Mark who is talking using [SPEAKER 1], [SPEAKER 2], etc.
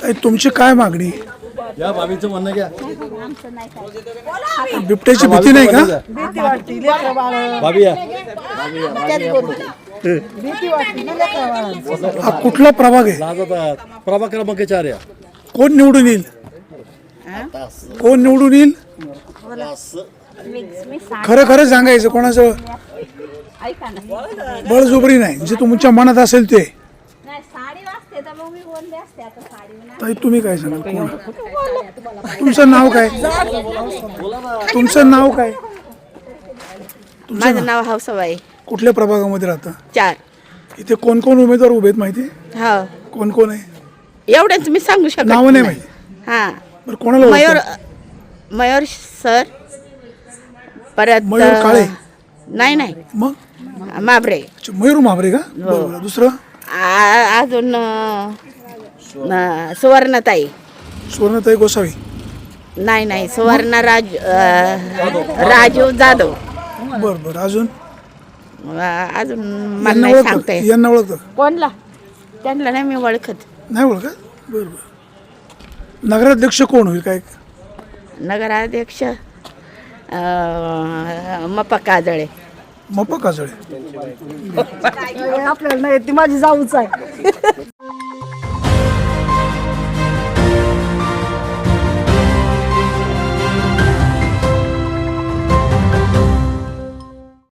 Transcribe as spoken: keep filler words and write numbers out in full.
[SPEAKER 1] ताई, तुमची काय मागणी?
[SPEAKER 2] या बाबीचं म्हणणं घ्या.
[SPEAKER 1] बिबट्याची भीती नाही का?
[SPEAKER 3] भीती वाटते लेकरं बाळ
[SPEAKER 2] बाबी या.
[SPEAKER 3] त्याच बोलते भीती वाटते ना लेकरं बाळांची.
[SPEAKER 1] हा कुठला प्रभाग आहे?
[SPEAKER 2] लाजतात. प्रभाग क्रमांक चार या.
[SPEAKER 1] कोण निवडून येईल? कोण निवडून येईल? खरं खरं सांगायचं, कोणाचं बळजुबरी नाही, जे तुमच्या मनात असेल ते. ताई, तुम्ही काय सांगाल? कोण? तुमचं नाव काय? तुमचं नाव काय?
[SPEAKER 4] माझं नाव हौसाबाई.
[SPEAKER 1] कुठल्या प्रभागामध्ये राहता?
[SPEAKER 4] चार.
[SPEAKER 1] इथे कोण कोण उमेदवार उभे आहेत माहिती आहे?
[SPEAKER 4] हो,
[SPEAKER 1] कोण कोण आहे?
[SPEAKER 4] एवढ्याच मी सांगू शकत
[SPEAKER 1] नाव नाही माहिती.
[SPEAKER 4] हा,
[SPEAKER 1] बरं, कोणाला
[SPEAKER 4] मयूर
[SPEAKER 1] ओळखता?
[SPEAKER 4] मयूर सर, परत
[SPEAKER 1] मयूर काळे?
[SPEAKER 4] नाही नाही
[SPEAKER 1] मग
[SPEAKER 4] माबरे.
[SPEAKER 1] अच्छा, मयूर महाबरे का? बरोबर. दुसरं?
[SPEAKER 4] आ- अजून अं, अं, सुवर्णताई.
[SPEAKER 1] सुवर्णताई गोसावी?
[SPEAKER 4] नाही नाही सुवर्ण राज अं, राजू जाधव.
[SPEAKER 1] बरं बरं. अजून?
[SPEAKER 4] अं, अजून मला
[SPEAKER 1] यांना
[SPEAKER 4] नाही
[SPEAKER 1] ओळखता?
[SPEAKER 4] सांगता येत.
[SPEAKER 1] यांना ओळखतं?
[SPEAKER 4] कोणला? त्यांना नाही मी ओळखत.
[SPEAKER 1] नाही ओळखत? बरं बरं. नगराध्यक्ष कोण होईल काय?
[SPEAKER 4] नगराध्यक्ष अं, मप्पा काजळे.
[SPEAKER 1] मप्पा काजळे?
[SPEAKER 3] आपल्याला नाही ती माझी जाऊच आहे.